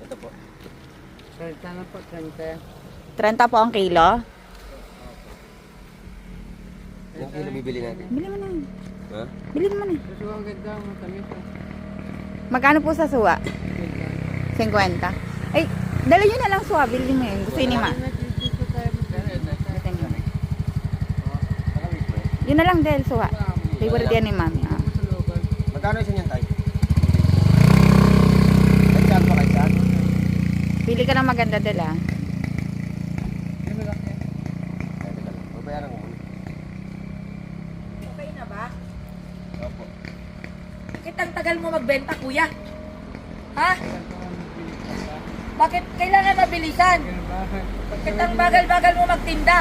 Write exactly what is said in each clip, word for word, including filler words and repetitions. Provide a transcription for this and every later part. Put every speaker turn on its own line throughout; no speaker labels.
Ito po.
trenta na po, trenta.
trenta po ang kilo.
Ilang kilo bibili natin?
Bili mo na.
Ha?
Bili mo na.
Gusto ko ang ganda, matamis po.
Magkano po sa suwa? fifty. Ay, dala nyo na lang suwa. Bili mo yun. Gusto yun ni ma.
Dito tayo
Gusto niyo.
Makamit mo eh.
Yun na lang dahil suwa. Favorite yan ni mami. Ah.
Magkano isa niyan tayo? Kahit saan po, kahit saan?
Pili ka ng maganda dala.
Ay, teka lang. Babayaran ko muna.
Okay na ba?
Opo.
Bakit ang tagal mo magbenta, kuya? Ha? Bakit kailangan mabilisan? Bakit ang bagal-bagal mo magtinda?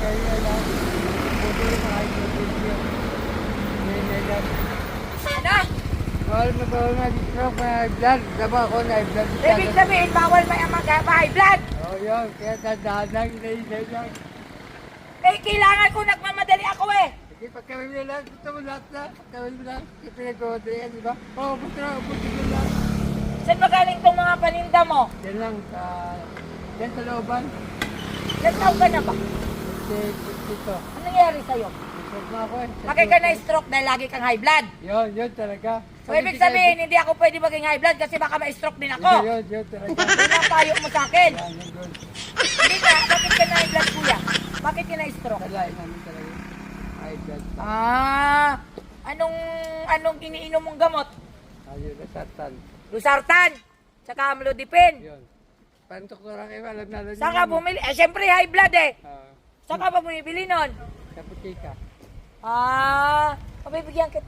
Ano?
Bawal na bawal na dito may high blood. Diba ako na high blood?
Ibig sabihin, bawal may mag-high blood.
Oo yun, kaya tandaan lang, inaisay lang.
Eh, kailangan ko nagmamadali ako eh.
Sige, pagkawin mo lang, gusto mo lahat na. Pagkawin mo lang, kasi pinag-order yan, di ba? Oo, buti na, buti mo lang.
Saan magaling tong mga paninda mo?
Yan lang, sa... Yan sa looban.
Ilan taon ka na ba?
Kasi dito.
Ano nangyari sa'yo?
Isog na ako eh.
Bakit ka na-stroke dahil lagi kang high blood?
Yun, yun talaga.
So, ibig sabihin, hindi ako pwede maging high blood kasi baka ma-stroke din ako.
Yun, yun talaga.
Yun ang payo mo sa akin.
Yan, yun, yun.
Hindi ka, bakit ka na high blood, kuya? Bakit ka na-stroke?
Kalain namin talaga. High blood.
Ah, anong anong iniinom mong gamot?
Ayun, nasatan.
Losartan, tsaka amlodipine.
Yun. Pantok ko lang kayo, alam na alam
Saan ka bumili? Eh, syempre high blood eh.
Ah,
Saan ka ba bumibili nun?
sa putika.
Ah, pabibigyan kita.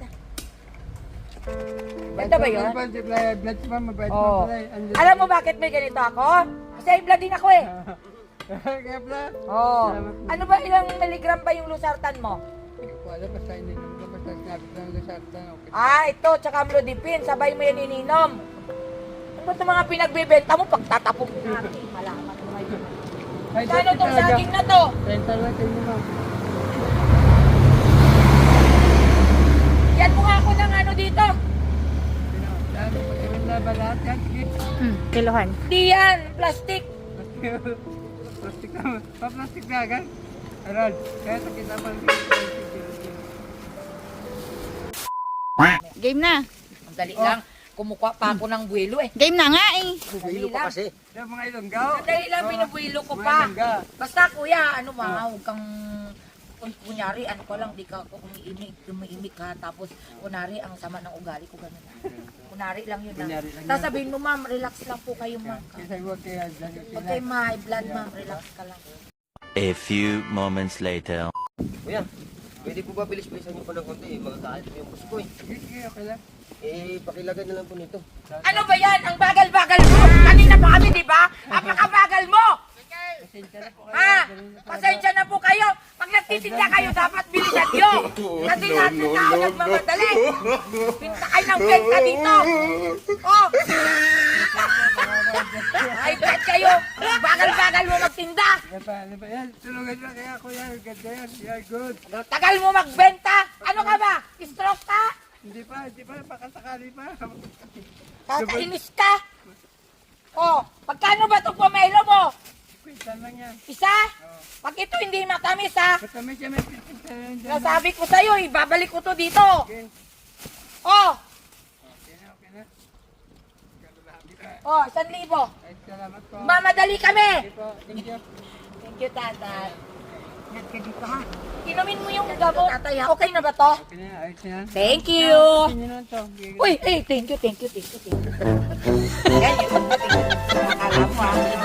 Ganda ba yun?
Blood, blood pa, mabait
Oo.
mo pala eh.
Alam mo bakit may ganito ako? Kasi high blood din ako eh.
Kaya pala.
Oo. Ano ba, ilang milligram ba yung losartan mo?
Hindi ko alam, basta ininom ko, basta sinabi ko ng lasartan. Okay.
Ah, ito, tsaka amlodipine. Sabay mo yan ininom. Ano ba itong mga pinagbibenta mo? Pagtatapong natin, malaman mo ngayon.
Ay,
Kano
dati
tong
talaga.
saging na to?
Renta lang kayo ma'am.
Yan mo nga ako ng ano dito.
Sino? Dami ko kayo na ba lahat yan? Sige.
Hmm, kilohan.
Di yan, plastic.
Plastic na. Pa-plastic na agad. Aral. Kaya sa kita pa.
Game na.
Ang dali lang. Kumukuha pa ako ng buwelo eh.
Game na nga eh.
Bubilo pa kasi.
Yung mga ilonggaw.
Ang dali lang, binubuwelo ko
Mga
pa.
ilongga.
Basta kuya, ano ma, huwag kang... Kung kunyari, ano ko lang, di ka ako umiimik, umiimik ka, tapos kunwari, ang sama ng ugali ko, ganun. Kunwari lang yun lang.
Kunyari lang yun.
Sasabihin mo, ma'am, relax lang po kayo, ma'am.
Kasi huwag kayo dyan.
Huwag kayo ma-high blood, ma'am, relax ka lang.
A few moments later.
Kuya, pwede po ba bilis-bilisan niyo po ng konti? Magkakalit po yung bus ko eh.
Sige, sige, okay lang.
Eh, pakilagay na lang po nito.
Ano ba yan? Ang bagal-bagal mo! Kanina pa kami, di ba? Apakabagal mo!
Pasensya na po kayo.
Ha? Pasensya na po kayo. Pag nagtitinda kayo, dapat bilisan nyo. Kasi lahat ng tao nagmamadali. Pinta kayo ng benta dito. Oh! Ay, bet kayo. Bagal-bagal mo magtinda.
Ano ba, ano ba yan? Tulungan nyo kaya kuya. Ganda yan. Yeah, good.
Tagal mo magbenta. Ano ka ba? Stroke ka?
Hindi pa, hindi pa. Pakasakali pa.
Kakainis ka? Oh, pagkano ba itong pomelo mo?
Kwenta lang yan.
Isa? Pag ito hindi matamis ha,
Basta may siya may pinta yan dyan.
nasabi ko sa'yo, ibabalik ko to dito.
Okay.
Oh,
Okay na, okay na.
oh, isang libo.
Ay, salamat po.
Mamadali kami.
Okay po, thank you.
Thank you, tatay. Ingat ka dito ha. Inumin mo yung gamot. Tatay ha, okay na ba to?
Okay na, ayos na yan.
Thank you.
Sige na to.
Uy, eh, thank you, thank you, thank you, thank you. Ganyan, akala mo ha.